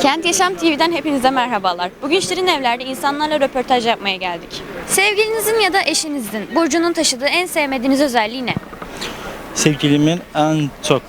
Kent Yaşam TV'den hepinize merhabalar. Bugün Şirin Evler'de insanlarla röportaj yapmaya geldik. Sevgilinizin ya da eşinizin burcunun taşıdığı en sevmediğiniz özelliği ne? Sevgilimin en çok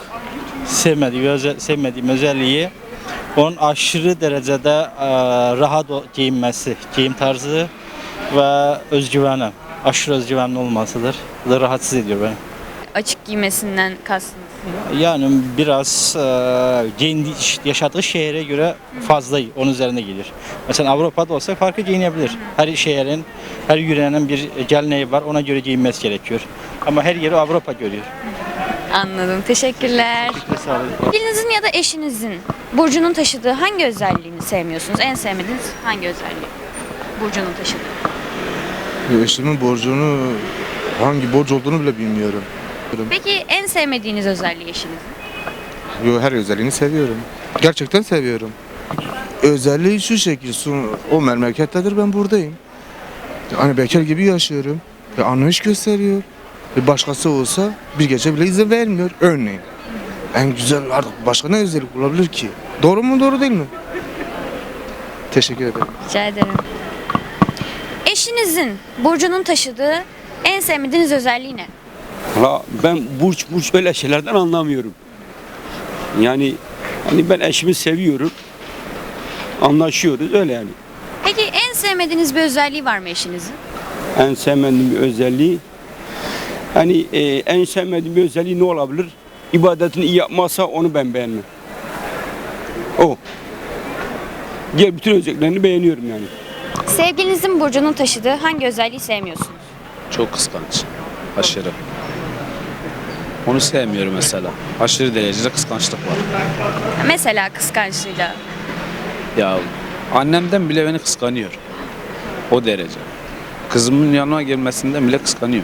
sevmediğim özelliği onun aşırı derecede rahat giyinmesi, giyim tarzı ve özgüveni. Aşırı özgüvenli olmasıdır. Bu da rahatsız ediyor beni. Açık giymesinden kastınız. Yani biraz yaşadığı şehre göre fazla onun üzerine gelir. Mesela Avrupa'da olsa farklı giyinebilir. Her şehrin, her yörenin bir geleneği var. Ona göre giyinmesi gerekiyor. Ama her yeri Avrupa görüyor. Anladım. Teşekkürler. Sağ olun. Sevgilinizin ya da eşinizin burcunun taşıdığı hangi özelliğini sevmiyorsunuz? En sevmediğiniz hangi özelliği? Burcunun taşıdığı. Eşimin borcunu, hangi borç olduğunu bile bilmiyorum. Peki en sevmediğiniz özelliği eşinizin? Her özelliğini seviyorum. Gerçekten seviyorum. Özelliği şu şekil, o memlekettedir, ben buradayım. Hani bekar gibi yaşıyorum. Ve anlayış gösteriyor. Ve başkası olsa bir gece bile izin vermiyor. Örneğin. En güzel artık başka ne özellik olabilir ki? Doğru mu doğru değil mi? Teşekkür ederim. Rica ederim. Eşinizin burcunun taşıdığı en sevmediğiniz özelliği ne? Ben burç öyle şeylerden anlamıyorum. Yani hani ben eşimi seviyorum. Anlaşıyoruz öyle yani. Peki en sevmediğiniz bir özelliği var mı eşinizin? En sevmediğim bir özelliği hani en sevmediğim bir özelliği ne olabilir? İbadetini iyi yapmazsa onu ben beğenmem. O. Diğer bütün özelliklerini beğeniyorum yani. Sevgilinizin burcunun taşıdığı hangi özelliği sevmiyorsunuz? Çok kıskanç. Aşırı. Onu sevmiyorum mesela. Aşırı derecede kıskançlık var. Mesela kıskançlığıyla. Ya annemden bile beni kıskanıyor. O derece. Kızımın yanıma gelmesinden bile kıskanıyor.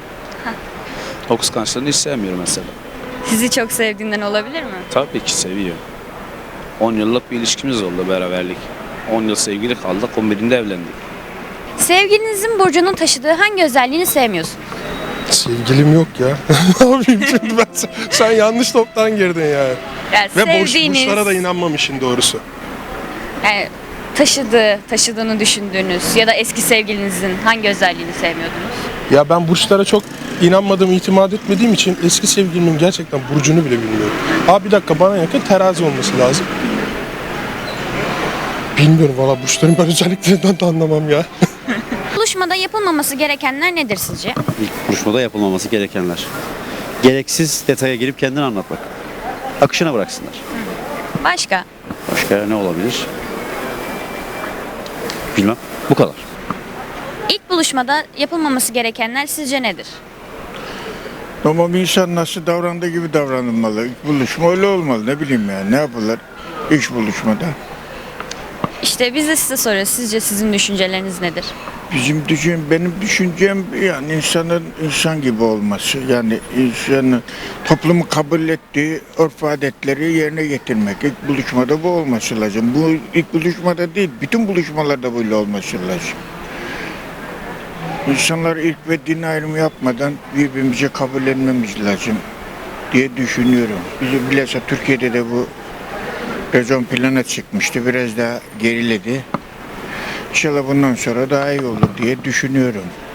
O kıskançlığını hiç sevmiyorum mesela. Sizi çok sevdiğinden olabilir mi? Tabii ki seviyor. 10 yıllık bir ilişkimiz oldu, beraberlik. 10 yıl sevgili kaldık, 11'inde evlendik. Sevgilinizin burcunun taşıdığı hangi özelliğini sevmiyorsunuz? Sevgilim yok ya. Ne yapayım şimdi ben? Sen yanlış toptan girdin yani. Yani Ve sevdiğiniz, burçlara da inanmamışsın doğrusu. yani taşıdığını düşündüğünüz ya da eski sevgilinizin hangi özelliğini sevmiyordunuz? Ya ben burçlara çok inanmadığım, itimat etmediğim için eski sevgilimin gerçekten burcunu bile bilmiyorum. Abi bir dakika, bana yakın terazi olması lazım. Bilmiyorum valla, burçların ben özelliklerinden de anlamam ya. Buluşmada yapılmaması gerekenler nedir sizce? İlk buluşmada yapılmaması gerekenler. Gereksiz detaya girip kendini anlatmak. Akışına bıraksınlar. Başka? Başka ne olabilir? Bilmem. Bu kadar. İlk buluşmada yapılmaması gerekenler sizce nedir? Ama bir insan nasıl davrandığı gibi davranılmalı. İlk buluşma öyle olmalı. Ne bileyim yani, ne yapılır ilk buluşmada? İşte biz de size soruyoruz. Sizce sizin düşünceleriniz nedir? Benim düşüncem yani insanın insan gibi olması. Yani insanın toplumu kabul ettiği örf adetleri yerine getirmek. İlk buluşmada bu olması lazım. Bu ilk buluşmada değil, bütün buluşmalarda böyle olması lazım. İnsanlar ilk ve din ayrımı yapmadan birbirimize kabullenmemiz lazım diye düşünüyorum. Bizim bilhassa Türkiye'de de bu biraz ön plana çıkmıştı. Biraz daha geriledi. İnşallah bundan sonra daha iyi olur diye düşünüyorum.